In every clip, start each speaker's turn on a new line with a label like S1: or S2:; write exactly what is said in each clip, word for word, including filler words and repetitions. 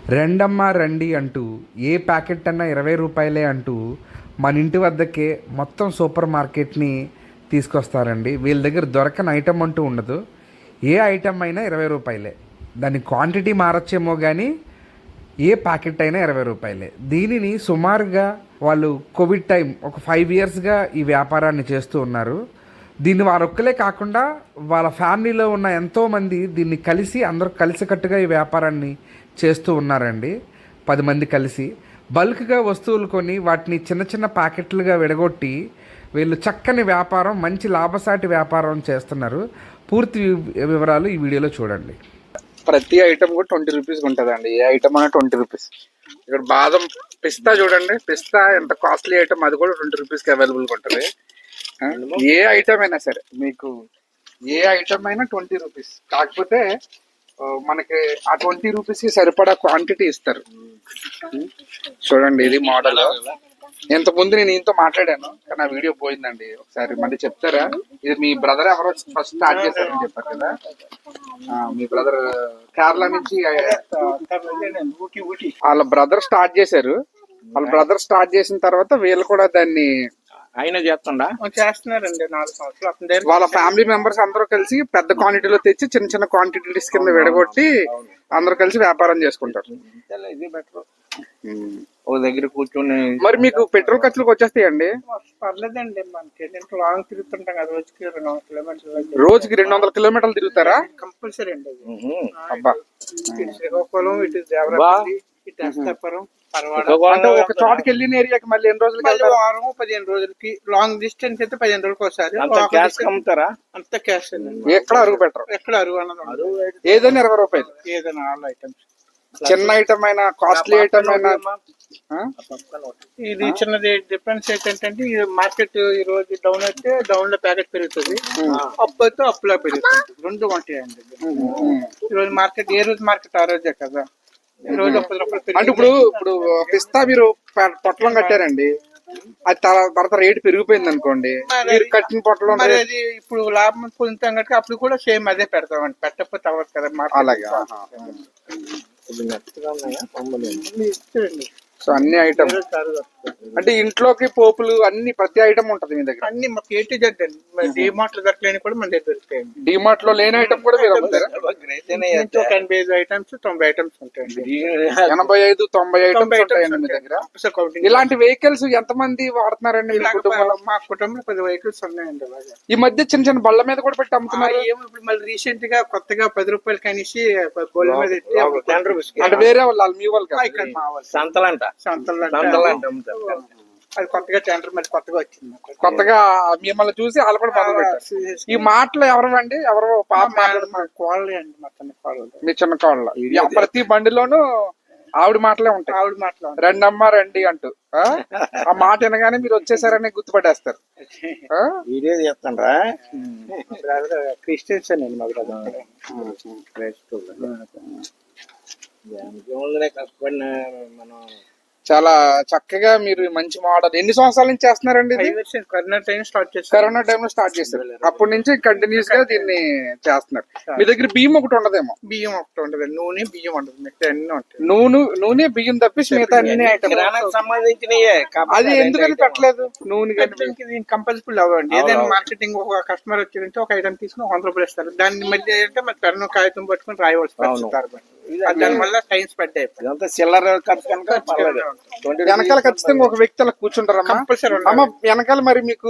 S1: రెండమ్మ రండి అంటూ ఏ ప్యాకెట్ అన్నా ఇరవై రూపాయలే అంటూ మన ఇంటి వద్దకే మొత్తం సూపర్ మార్కెట్ని తీసుకొస్తారండి. వీళ్ళ దగ్గర దొరకని ఐటమ్ అంటూ ఉండదు. ఏ ఐటమ్ అయినా ఇరవై రూపాయలే. దాని క్వాంటిటీ మారచ్చేమో కానీ ఏ ప్యాకెట్ అయినా ఇరవై రూపాయలే. దీనిని సుమారుగా వాళ్ళు కోవిడ్ టైం ఒక ఫైవ్ ఇయర్స్గా ఈ వ్యాపారాన్ని చేస్తూ ఉన్నారు. దీన్ని వారొక్కలే కాకుండా వాళ్ళ ఫ్యామిలీలో ఉన్న ఎంతోమంది దీన్ని కలిసి అందరూ కలిసికట్టుగా ఈ వ్యాపారాన్ని చేస్తూ ఉన్నారండి. పది మంది కలిసి బల్క్గా వస్తువులు కొని వాటిని చిన్న చిన్న ప్యాకెట్లుగా విడగొట్టి వీళ్ళు చక్కని వ్యాపారం, మంచి లాభసాటి వ్యాపారం చేస్తున్నారు. పూర్తి వివరాలు ఈ వీడియోలో చూడండి.
S2: ప్రతి ఐటమ్ కూడా ట్వంటీ రూపీస్ ఉంటుందండి. ఏ ఐటమ్ అయినా ట్వంటీ రూపీస్. ఇక్కడ బాదం పిస్తా చూడండి, పిస్తా ఎంత కాస్ట్లీ ఐటమ్, అది కూడా ట్వంటీ రూపీస్కి అవైలబుల్గా ఉంటుంది. ఏ ఐటమ్ అయినా సరే మీకు ఏ ఐటమ్ అయినా ట్వంటీ రూపీస్. కాకపోతే మనకి ఆ ట్వంటీ రూపీస్కి సరిపడా క్వాంటిటీ ఇస్తారు. చూడండి, ఇది మోడల్. ఇంత ముందు నేను ఇంతో మాట్లాడాను కానీ ఆ వీడియో పోయిందండి. ఒకసారి మళ్ళీ చెప్తారా? ఇది మీ బ్రదర్ ఎవరో ఫస్ట్ స్టార్ట్ చేశారని చెప్పారు కదా, మీ బ్రదర్ కేరళ నుంచి వాళ్ళ బ్రదర్ స్టార్ట్ చేశారు. వాళ్ళ బ్రదర్ స్టార్ట్ చేసిన తర్వాత వీళ్ళు కూడా దాన్ని
S3: ఆయన చేస్తుండా
S2: చేస్తున్నారండి. నాలుగు సంవత్సరాలు వాళ్ళ ఫ్యామిలీ మెంబర్స్ అందరూ కలిసి పెద్ద క్వాంటిటీలో తెచ్చి చిన్న చిన్న క్వాంటిటీస్ కింద విడగొట్టి అందరూ కలిసి వ్యాపారం చేసుకుంటారు.
S3: ఇది బెటర్. ఒక దగ్గర కూర్చొని.
S2: మరి మీకు పెట్రోల్ ఖర్చులకు వచ్చేస్తాయండి?
S4: పర్లేదండి, మనకి లాంగ్ తిరుగుతుంటాం కదా, రోజుకి రెండు వందల కిలోమీటర్లు.
S2: రోజుకి రెండు వందల కిలోమీటర్లు తిరుగుతారా?
S4: కంపల్సరీ అండి.
S2: అబ్బా,
S4: ఇటు శ్రీకాకుళం, ఇటు దేవరాపల్లి, ఇటు అస్తాపురం,
S2: అంటే ఒక చోటుకి వెళ్ళిన ఏరియాకి మళ్ళీ ఎన్ని రోజులకి?
S4: వారం పదిహేను రోజులకి. లాంగ్ డిస్టెన్స్ అయితే పదిహేను రోజులకి ఒకసారి.
S3: అమ్ముతారా?
S4: అంత క్యాష్ అండి.
S2: ఎక్కడ అరుగు పెట్టరు.
S4: ఎక్కడ అరుగు అన్నది
S2: ఏదైనా ఇరవై రూపాయలు.
S4: ఏదైనా ఆల్ ఐటమ్స్.
S2: చిన్న ఐటమ్ అయినా, కాస్ట్లీ ఐటమ్ అయినా.
S4: ఇది చిన్నది డిఫరెన్స్ ఏంటంటే, ఈ మార్కెట్ ఈ రోజు డౌన్ అయితే డౌన్ లో ప్యాకెట్ పెరుగుతుంది, అప్ అయితే అప్ లో పెరుగుతుంది. రెండు ఉంటాయండి. ఈ రోజు మార్కెట్ ఏ రోజు మార్కెట్ ఆ రోజే కదా. ఈ రోజు పది రూపాయలు.
S2: అంటే ఇప్పుడు ఇప్పుడు పిస్తా మీరు పొట్లం కట్టారండి, అది తర్వాత రేటు పెరిగిపోయింది అనుకోండి, మీరు కట్టిన పొట్లం
S4: అది ఇప్పుడు లాభం పొందుతాం కనుక అప్పుడు కూడా సేమ్ అదే పెడతామండి. పెట్టకపోతే అవ్వదు కదా.
S2: అలాగే. సో అన్ని ఐటమ్ అంటే ఇంట్లోకి పోపులు అన్ని ప్రతి ఐటమ్ ఉంటది మీ దగ్గర?
S4: అన్ని మాకు ఏ టు జెడ్ అండి. డిమార్ట్ లో దొరకలేని కూడా మన దగ్గర దొరుకుతాయండి.
S2: డిమార్ట్ లో లేని ఐటమ్ కూడా మీరు అమ్ముతారా?
S4: ఒక ఎనభై ఐదు ఐటమ్స్, తొంభై ఐటమ్స్ ఉంటాయండి.
S2: ఎనభై ఐదు తొంభై ఐటమ్స్ ఉంటాయండి మీ దగ్గర. ఇలాంటి వెహికల్స్ ఎంత మంది వాడుతున్నారండి మీ కుటుంబంలో?
S4: మా కుటుంబంలో పది వెహికల్స్ ఉన్నాయండి.
S2: ఈ మధ్య చిన్న చిన్న బళ్ళ మీద కూడా పెట్టి అమ్ముతున్నారు.
S4: ఇప్పుడు మళ్ళీ రీసెంట్ గా కొత్తగా పది రూపాయలు కనేసి బోళ్ళ మీద
S2: టెన్ రూపీస్. అంటే వేరే వాళ్ళు, మీ వాళ్ళు
S3: సంతలంట.
S4: అది కొత్తగా టెండర్ మరి కొత్తగా వచ్చింది.
S2: కొత్తగా మిమ్మల్ని చూసి వాళ్ళు కూడా మొదలు పెట్టారు. ఈ మాటలు ఎవరండి? ఎవరో పాప
S4: కోళ్ళే అండి, మొత్తం కోళ్ళు.
S2: మీ చిన్న కోళ్ళ. ప్రతి బండిలోనూ ఆవిడ మాటలే ఉంటాయి.
S4: ఆవిడ మాటలు
S2: రెండమ్మ రండి అంటూ. ఆ మాట వినగానే మీరు వచ్చేసారని గుర్తుపట్టేస్తారు.
S3: వీడియో చేస్తాండ్రా?
S4: క్రిస్టియన్స్ అండి మా బ్రదర్.
S3: కష్టపడిన మనం
S2: చాలా చక్కగా మీరు మంచి మోడల్. ఎన్ని సంవత్సరాల నుంచి చేస్తున్నారండి?
S4: కరోనా టైం స్టార్ట్ చేస్తారు.
S2: కరోనా టైం లో స్టార్ట్ చేస్తారు. అప్పటి నుంచి కంటిన్యూస్ గా దీన్ని చేస్తున్నారు. మీ దగ్గర బియ్యం ఒకటి ఉండదేమో?
S4: బియ్యం ఒకటి ఉండదు, నూనె బియ్యం ఉండదు, మిగతా అన్ని ఉంటాయి.
S2: నూనె నూనె బియ్యం తప్పించి మిగతా అన్ని
S3: ఐటమ్ సంబంధించినయే.
S2: అది ఎందుకని పెట్టలేదు? నూనె
S4: కంపల్సరీ అవ్వండి. ఏదైనా మార్కెటింగ్ ఒక కస్టమర్ వచ్చిందంటే ఒక ఐటమ్ తీసుకుని వంద రూపాయలు ఇస్తారు. దాని మధ్య ఏంటంటే మరి పెన్ను కాగితం పట్టుకుని రాయవలసి వస్తుంది. దాని వల్ల టైం స్పెండ్ అయిపోయింది.
S3: చిల్లర ఖర్చు కనుక
S2: వెనకాల ఖచ్చితంగా ఒక వ్యక్తి అలా కూర్చుంటారు అమ్మ వెనకాల. మరి మీకు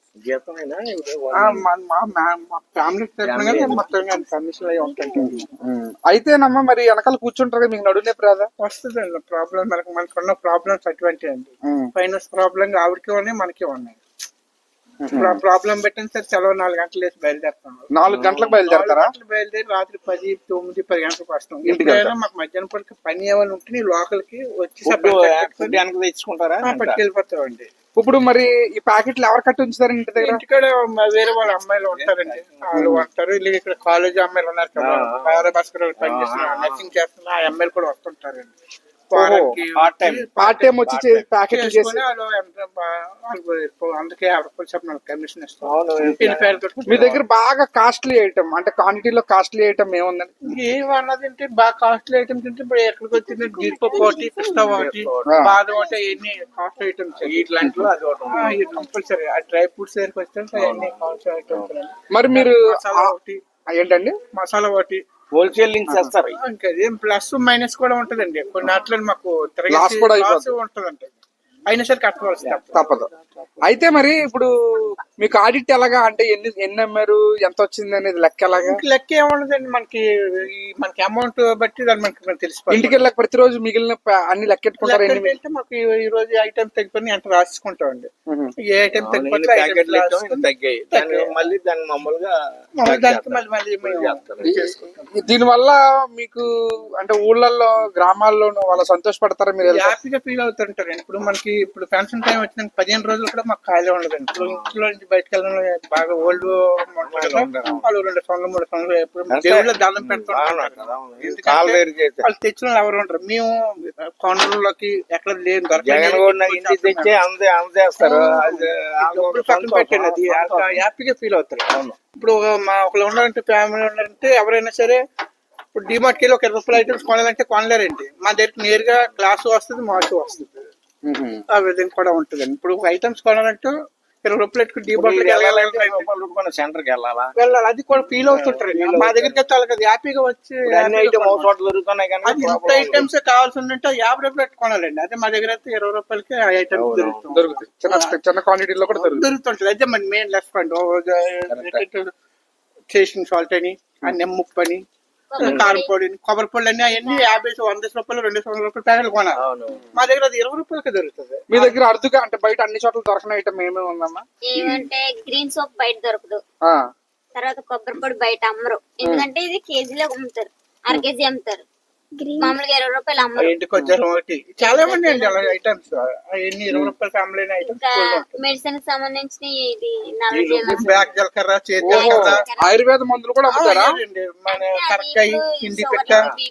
S2: అయితేనమ్మా మరి వెనకాల కూర్చుంటారు, మీకు నడునే ప్రాదా
S4: వస్తుంది అండి. ప్రాబ్లం మనకు మనకున్న ప్రాబ్లమ్స్ అటువంటి అండి. ఫైనాన్స్ ప్రాబ్లం ఆవిడకి ఉన్నాయి, మనకి ఉన్నాయి. ప్రాబ్లం పెట్టిన సార్ సెలవు నాలుగు గంటలు వేసి బయలుదేరుతాం.
S2: నాలుగు గంటలకు బయలుదేరతారా?
S4: బయలుదేరి రాత్రి పది తొమ్మిది పది గంటలకు వస్తాం. ఇంటికైనా మాకు మధ్యాహ్నం పూట పని ఏమైనా ఉంటే లోకల్కి వచ్చి
S3: తెచ్చుకుంటారా?
S4: పట్టుకెళ్ళిపోతామండి.
S2: ఇప్పుడు మరి ఈ ప్యాకెట్లు ఎవరు కట్టి ఉంచుతారు ఇంటి దగ్గర?
S4: ఇంటికాడ వేరే వాళ్ళ అమ్మాయిలు ఉంటారండి, వాళ్ళు ఉంటారు. వీళ్ళు ఇక్కడ కాలేజ్ అమ్మాయిలు ఉన్నారు కదా, భాస్కర్ పనిచేస్తున్నారు, నర్సింగ్ చేస్తున్నారు, ఆ అమ్మాయిలు కూడా వస్తుంటారండి. వారానికి
S3: part time.
S2: పార్ట్ టైం వచ్చి ప్యాకెట్లు చేసి
S4: చేసుకొని వాళ్ళు ఎంత బా- వాళ్ళు అందుకే యాభై రూపాయలు చెప్పిన కమిషన్ ఇస్తాం
S3: అవును.
S4: ఎనభై ఐదు కట్టుకుంటే
S2: మీ దగ్గర బాగా కాస్ట్లీ ఐటమ్ అంటే క్వాంటిటీలో కాస్ట్లీ ఐటమ్ ఏముందండి?
S4: ఏమన్నది అంటే బాగా కాస్ట్లీ ఐటమ్స్ తింటే ఇప్పుడు ఎక్కడికి వచ్చింది జీడిపప్పు ఒకటి పిస్తా ఒకటి
S2: ఆ.
S4: బాదం ఒకటి ఎన్ని కాస్ట్ ఐటమ్స్
S3: ఇట్లాంటిలో అది ఒకటి ఉంది.
S4: ఇది కంపల్సరీ ఆ డ్రై ఫ్రూట్స్ దగ్గరికి వస్తే అవన్నీ కాస్ట్ ఐటమ్స్
S2: మరి మీరు
S4: మసాలా
S2: ఆ-
S4: ఒకటి
S2: ఏంటండి
S4: మసాలా ఒకటి
S3: హోల్సేల్ లింక్స్ చేస్తారు.
S4: ఇంకా ఏం ప్లస్ మైనస్ కూడా ఉంటదండి కొన్ని అట్లా మాకు
S2: Loss కూడా అయిపోతుంది.
S4: ఉంటదండి అయినా సరే కట్టవలసి తప్పదు.
S2: తప్పదు. అయితే మరి ఇప్పుడు మీకు ఆడిట్ ఎలాగా అంటే ఎన్ని ఎన్ని అమ్మారు ఎంత వచ్చింది అనేది లెక్క ఎలాగా?
S4: ఇంక లెక్క ఏముండదండి మనకి ఈ మనకి అమౌంట్ బట్టి దాన్ని మనకి మనకి తెలిసిపోతుంది.
S2: ఇంటికి వెళ్ళక ప్రతిరోజు మిగిలిన ప- అన్ని లెక్కెట్టుకుంటారు
S4: లెక్కకి
S2: ఎన్ని
S4: వెళ్తే మాకు ఈ- ఈ రోజు ఐటమ్ తగ్గిపోయి ఎంత రాసుకుంటామండి
S2: మ్మ్.
S4: ఏ ఐటమ్
S3: అవును, ఇన్ని
S4: తగ్గిపోతే
S3: ప్యాకెట్లు ఇస్తాం, ఇన్ని తగ్గాయి. దాన్ని మళ్ళీ దాన్ని మామూలుగా
S4: దానికి మళ్ళీ మళ్ళీ మేము చేసుకుంటాం.
S2: దీని వల్ల మీకు అంటే ఊళ్ళల్లో గ్రామాల్లోనూ వాళ్ళు సంతోషపడతారా మీరు వెళ్తే?
S4: హ్యాపీగా ఫీల్ అవుతుంటారండి. ఇప్పుడు మనకి ఇప్పుడు పెన్షన్ టైం వచ్చిన పదిహేను రోజులు కూడా మాకు ఖాళీ ఉండదండి. ఇప్పుడు ఇంట్లో నుంచి బయటకు వెళ్ళడం బాగా ఓల్డ్ వాళ్ళు రెండు సంవత్సరాలు మూడు సంవత్సరాలు ఎప్పుడు దేవుళ్ళ దండం పెడుతుంటారు.
S3: కాలు వేరు చేస్తే
S4: వాళ్ళు తెచ్చిన వాళ్ళు ఎవరు ఉంటారు. మేము కొండలలోకి ఎక్కడ లేదు
S3: జగన్ కూడా ఇంటికి తెచ్చి అందే అందేస్తారు. అది
S4: పక్కన పెట్టండి అది అంత హ్యాపీగా ఫీల్ అవుతారు. ఇప్పుడు మా ఒకళ్ళు ఉన్నారంటే ఫ్యామిలీ ఉన్నారంటే ఎవరైనా సరే ఇప్పుడు డిమార్ట్కి వెళ్ళి ఒక ఇరవై రూపాయల ఐటమ్స్ కొనాలంటే కొనలేరండి. మా దగ్గర నేరుగా గ్లాసు వస్తుంది, మాసు వస్తుంది.
S2: మ్మ్.
S4: ఆ విధంగా కూడా ఉంటుందండి. ఇప్పుడు ఐటమ్స్ కొనాలంటే ఇరవై రూపాయలు ఎట్టుకుని డిమార్ట్
S3: సెంటర్కి వెళ్ళాలా?
S4: వెళ్ళాలి. అది కూడా ఫీల్ అవుతుంటారు. మా దగ్గరికి అయితే వాళ్ళకి అది హ్యాపీగా వచ్చి
S3: అన్ని ఐటమ్ ఒక చోట దొరుకుతున్నాయి కానీ
S4: అది ఇంత ఐటమ్స్ కావాల్సి ఉందంటే యాభై రూపాయలు పెట్టి కొనాలండి. అదే మా దగ్గర అయితే ఇరవై రూపాయలకి ఆ ఐటమ్స్ దొరుకుతుంది
S2: దొరుకుతాయి. చిన్న చిన్న క్వాంటిటీలో కూడా దొరుకుతాయి.
S4: దొరుకుతుంటది. అయితే మన మెయిన్ లెఫ్ట్ పాయింట్ చేసిన సాల్ట్ అని ఆ నిమ్మప్పు అని కారం పొడి కొబ్బరి పొడి అన్ని అవన్నీ యాభై వంద రూపాయలు రెండు వందల రూపాయలు ప్యాకెట్లు కొనాలి.
S3: అవును.
S4: మా దగ్గర అది ఇరవై రూపాయలకి దొరుకుతుంది.
S2: మీ దగ్గర అరుదుగా అంటే బయట అన్ని చోట్ల దొరకని ఐటమ్ ఏమేమి ఉందమ్మా?
S5: ఏమంటే గ్రీన్ సోప్ బయట దొరకదు.
S2: ఆ,
S5: తర్వాత కొబ్బరి పొడి బయట అమ్మరు. ఎందుకంటే ఇది కేజీలో అమ్ముతారు, అర కేజీ అమ్ముతారు. మామూలుగా ఇరవై రూపాయలు అమ్మరు.
S4: ఇంటికి వచ్చారు ఒకటి చాలా మంది అండి అలా ఐటమ్స్ అవన్నీ ఇరవై రూపాయలకి అమ్మలేని
S5: ఇంకా
S4: ఐటమ్స్.
S5: మెడిసిన్ సంబంధించిన ఇది నల్ల
S4: బ్యాక్ జలకర్ర చేతి
S2: ఓహో,
S4: జలకర్ర
S2: ఆయుర్వేద మందులు కూడా అమ్ముతారా?
S4: మన కరక్కాయ హిందీ పెట్ట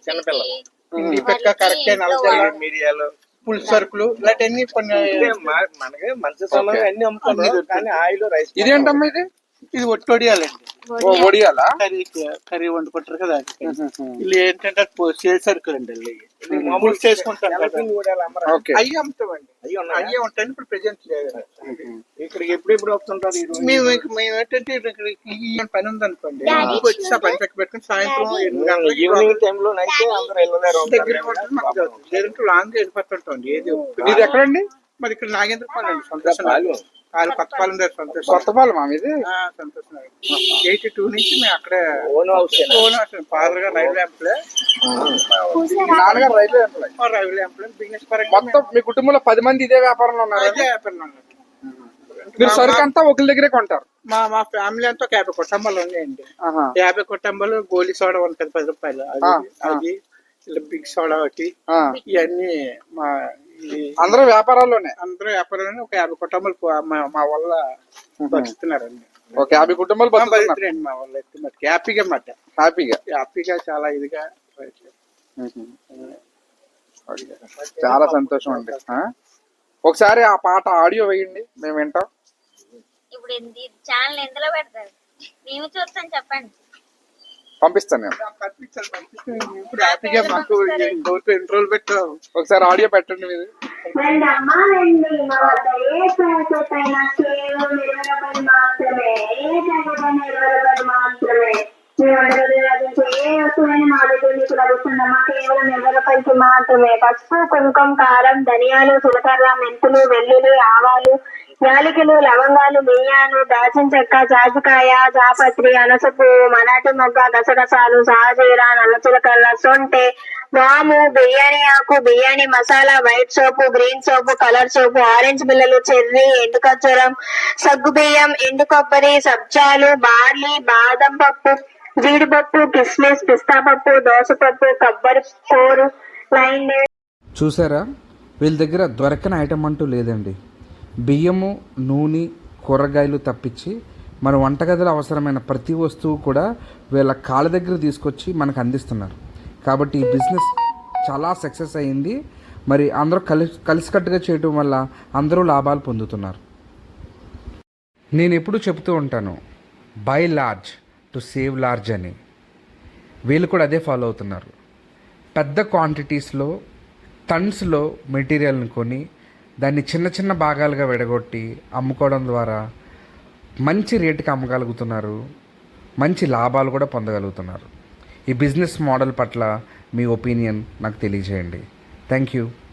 S4: హిందీ పెట్ట కరక్కాయ నల్లజల్ల
S3: మిరియాలు
S4: పుల్ సరుకులు ఇలాంటివన్నీ కొన్ని
S3: అంటే మా- మనకి మంచి సమయం అన్ని అమ్ముతున్నారు కానీ ఆయిల్ రైస్
S2: ఇదేంటమ్మా ఇది?
S4: ఇది ఒట్టొడియాలండి.
S2: ఓ, వడియాలా?
S4: కర్రీ కర్రీ వండుకుంటారు కదా వీళ్ళు ఏంటంటే చే సరుకులు అండి మామూలు చేసుకుంటారు కదా
S2: ఓకే.
S4: అయ్యి అమ్ముతామండి. అయ్యే ఉంటాయి. ఇప్పుడు ప్రెసెంట్ లేదు.
S3: ఇక్కడికి ఎప్పుడు ఎప్పుడు వస్తుంటారు ఈ రోజు?
S4: మేము ఇంక- మేము ఏంటంటే ఇక్కడ ఈ పని ఉంది అనుకోండి ఇంటికి వచ్చి ఆ పని పక్క పెట్టుకుని సాయంత్రం ఎనిమిది గంటలకి
S3: ఈవినింగ్ టైంలో అయితే అందరూ వెళ్ళలేరు.
S4: దగ్గర ఉంటుంది మాకు జరుగుతుంది. లేదంటే లాంగ్ వెళ్ళిపోతుంటాం. ఏది
S2: ఇది ఎక్కడండి?
S4: మరి ఇక్కడ నాగేంద్ర పాలెం అండి. సంతోషం వాళ్ళు కొత్తపాలెం దగ్గర సంతోషం
S2: కొత్తపాలెం మా ఇది?
S4: ఆ, సంతోషం ఎయిటీ టూ నుంచి మేము అక్కడే
S3: ఓన్ హౌస్
S4: ఓన్ ఫాదర్ గా రైల్వే ఎంప్లాయ్
S2: నాన్నగారు railway employee.
S4: Railway employee business పరంగా
S2: మొత్తం మీ కుటుంబంలో పది మంది ఇదే వ్యాపారంలో ఉన్నారు.
S4: అదే వ్యాపారం అన్నమాట.
S2: మీరు సరుకు అంతా ఒకరి దగ్గరే కొంటారు?
S4: మా మా ఫ్యామిలీ అంతా ఒక యాభై కుటుంబాలు ఉన్నాయండి.
S2: ఆహా.
S4: యాభై కుటుంబాలు గోలీ సోడా ఉంటుంది పది రూపాయలు అది
S2: ఆ,
S4: అది ఇలా బిగ్ సోడా ఒకటి
S2: ఆ.
S4: ఇవన్నీ మా ఈ
S2: అందరూ వ్యాపారాల్లోనే?
S4: అందరూ వ్యాపారాన్ని ఒక యాభై కుటుంబాలు పో- మా- మా వల్ల బతుకుతున్నారండి.
S2: ఒక యాభై కుటుంబాలు
S4: మా
S2: బతుకుతున్నారు
S4: బతుకుతున్నారండి మా వల్ల అయితే మటుకు హ్యాపీగా మాట
S2: హ్యాపీగా.
S4: హ్యాపీగా చాలా ఇదిగా
S2: చాలా సంతోషం అండి. ఆ? ఒకసారి ఆ పాట ఆడియో వేయండి, మేము వింటాం.
S5: ఇప్పుడు ఇది ఛానల్ ఎందులో పెడతారు? మేము చూస్తాం, చెప్పండి.
S2: పంపిస్తాను నేను.
S4: పంపించాలి, పంపించాలి. ఇప్పుడు హ్యాపీగా మాకు ఇంతవరకు ఎన్ని రోజులు పెట్టాం.
S2: ఒకసారి ఆడియో పెట్టండి మీరు.
S6: రెండమ్మా రెండు మా వద్ద ఏ ప్యాకెట్ అయినా కేవలం ఇరవై రూపాయలు మాత్రమే. ఏ ప్యాకెట్ అయినా ఇరవై రూపాయలు మాత్రమే. మీ వంటలు లభించే ఏ వస్తువైనా మా దగ్గర మీకు లభిస్తుందమ్మా కేవలం ఇరవై రూపాయలకి మాత్రమే. పసుపు, కుంకుమ, కారం, ధనియాలు, జీలకర్ర, మెంతులు, వెల్లుల్లి, ఆవాలు, యాలకులు, లవంగాలు, బియ్యాలు, దాల్చిన చెక్క, జాజికాయ, జాపత్రి, అనస పువ్వు, మరాఠీ మొగ్గ, గసగసాలు, సాజీరా, నల్ల చిలకల్ల, సొంటె, వాము, బిర్యానీ ఆకు, బిర్యానీ మసాలా, వైట్ సోపు, గ్రీన్ సోపు, కలర్ సోపు, ఆరెంజ్ బిల్లలు, చెర్రీ, ఎండు ఖర్జూరం, సగ్గు బియ్యం, ఎండు కొబ్బరి, సబ్జాలు, బార్లీ, బాదం పప్పు, జీడిపప్పు, కిస్మిస్, పిస్తా పప్పు, దోసపప్పు, కొబ్బరి కూరు, లైన్ డేట్స్.
S1: చూసారా, వీళ్ళ దగ్గర దొరకని ఐటమ్ అంటూ లేదండి. బియ్యము, నూనె, కూరగాయలు తప్పించి మన వంటగదిలో అవసరమైన ప్రతి వస్తువు కూడా వీళ్ళ కాళ్ళ దగ్గర తీసుకొచ్చి మనకు అందిస్తున్నారు. కాబట్టి ఈ బిజినెస్ చాలా సక్సెస్ అయ్యింది. మరి అందరూ కలిసి కలిసికట్టుగా చేయటం వల్ల అందరూ లాభాలు పొందుతున్నారు. నేను ఎప్పుడూ చెప్తూ ఉంటాను, by large to save large అని. వీళ్ళు కూడా అదే ఫాలో అవుతున్నారు. పెద్ద క్వాంటిటీస్లో టన్స్లో మెటీరియల్ని కొని దాన్ని చిన్న చిన్న భాగాలుగా విడగొట్టి అమ్ముకోవడం ద్వారా మంచి రేటుకి అమ్మగలుగుతున్నారు, మంచి లాభాలు కూడా పొందగలుగుతున్నారు. ఈ బిజినెస్ మోడల్ పట్ల మీ ఒపీనియన్ నాకు తెలియజేయండి. Thank you.